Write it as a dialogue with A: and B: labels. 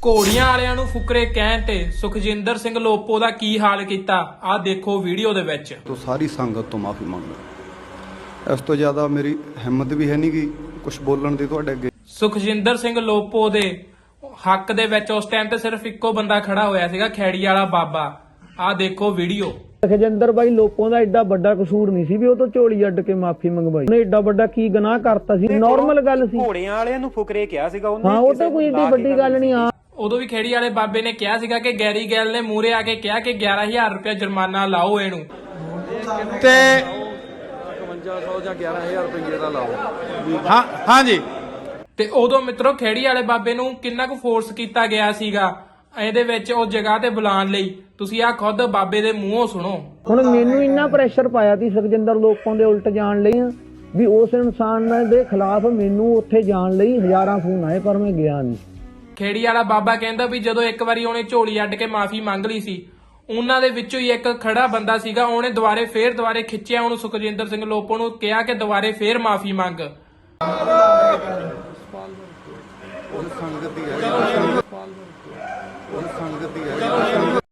A: ਘੋੜੀਆਂ ਵਾਲਿਆਂ ਨੂੰ ਫੁਕਰੇ ਕਹਿਣ ਤੇ ਸੁਖਜਿੰਦਰ ਸਿੰਘ ਲੋਪੋ ਦਾ ਕੀ ਹਾਲ ਕੀਤਾ ਆਹ ਦੇਖੋ ਵੀਡੀਓ ਦੇ ਵਿੱਚ।
B: तो सारी संगत तो माफ़ी मंगदा। इस तो ज़्यादा मेरी हिम्मत भी है नहीं कि कुछ बोलण दी तुहाडे अगे।
A: ਸੁਖਜਿੰਦਰ ਸਿੰਘ ਲੋਪੋ ਦੇ ਹੱਕ ਦੇ ਵਿੱਚ ਉਸ ਟਾਈਮ ਤੇ ਸਿਰਫ ਇੱਕੋ ਬੰਦਾ ਖੜਾ ਹੋਇਆ ਸੀਗਾ, ਖੈੜੀ ਵਾਲਾ ਬਾਬਾ। ਆਹ ਦੇਖੋ ਵੀਡੀਓ।
C: ਸੁਖਜਿੰਦਰ ਬਾਈ ਲੋਪੋਂ ਦਾ ਐਡਾ ਵੱਡਾ ਕਸੂਰ ਨਹੀਂ ਸੀ ਵੀ ਉਹ ਤੋਂ ਝੋਲੀ ਅੱਡ ਕੇ ਮਾਫੀ ਮੰਗਵਾਈ। ਉਹਨੇ ਐਡਾ ਵੱਡਾ ਕੀ ਗੁਨਾਹ ਕਰਤਾ ਸੀ? ਨਾਰਮਲ ਗੱਲ ਸੀ।
D: ਘੋੜਿਆਂ ਵਾਲਿਆਂ ਨੂੰ ਫੁਕਰੇ ਕਿਹਾ ਸੀਗਾ ਉਹਨੇ।
C: ਹਾਂ, ਉਹ ਤਾਂ ਕੋਈ ਏਡੀ ਵੱਡੀ ਗੱਲ ਨਹੀਂ ਆ।
A: ਉਦੋਂ ਵੀ ਖੇੜੀ ਵਾਲੇ ਬਾਬੇ ਨੇ ਕਿਹਾ ਸੀਗਾ ਕਿ ਗੈਰੀ ਗੈਲ ਨੇ ਮੂਹਰੇ ਆ ਕੇ ਕਿਹਾ ਕਿ 11,000 ਰੁਪਏ ਜੁਰਮਾਨਾ ਲਾਓ ਇਹਨੂੰ
E: ਤੇ
B: 5500 ਜਾਂ 11000 ਰੁਪਏ ਦਾ ਲਾਓ।
E: ਹਾਂ ਜੀ,
A: ਤੇ ਉਦੋਂ ਮਿੱਤਰੋ ਖੇੜੀ ਵਾਲੇ ਬਾਬੇ ਨੂੰ ਕਿੰਨਾ ਕੁ ਫੋਰਸ ਕੀਤਾ ਗਿਆ ਸੀਗਾ ਇਹਦੇ ਵਿੱਚ ਉਹ ਜਗ੍ਹਾ ਤੇ ਬੁਲਾਉਣ ਲਈ। ਤੁਸੀਂ ਆਹ ਖੁਦ ਬਾਬੇ ਦੇ ਮੂੰਹੋਂ ਸੁਣੋ।
C: ਹੁਣ ਮੈਨੂੰ ਇੰਨਾ ਪ੍ਰੈਸ਼ਰ ਪਾਇਆ ਸੀ ਸੁਖਜਿੰਦਰ ਲੋਪੋਂ ਦੇ ਉਲਟ ਜਾਣ ਲਈ ਵੀ ਉਸ ਇਨਸਾਨ ਦੇ ਖਿਲਾਫ ਮੈਨੂੰ ਉੱਥੇ ਜਾਣ ਲਈ ਹਜ਼ਾਰਾਂ ਫੋਨ ਆਏ, ਪਰ ਮੈਂ ਗਿਆ ਨਹੀਂ।
A: ਖੇੜੀ ਵਾਲਾ ਬਾਬਾ ਕਹਿੰਦਾ ਵੀ ਜਦੋਂ ਇੱਕ ਵਾਰੀ ਉਹਨੇ ਝੋਲੀ ਅੱਡ ਕੇ ਮਾਫੀ ਮੰਗ ਲਈ ਸੀ, ਉਹਨਾਂ ਦੇ ਵਿੱਚੋਂ ਹੀ ਇੱਕ ਖੜਾ ਬੰਦਾ ਸੀਗਾ, ਉਹਨੇ ਦੁਬਾਰੇ ਖਿੱਚਿਆ ਉਹਨੂੰ, ਸੁਖਜਿੰਦਰ ਸਿੰਘ ਲੋਪੋ ਨੂੰ ਕਿਹਾ ਕਿ ਦੁਬਾਰੇ ਫੇਰ ਮਾਫੀ ਮੰਗ।
B: ਸੰਗਤ ਹੀ ਹੈ।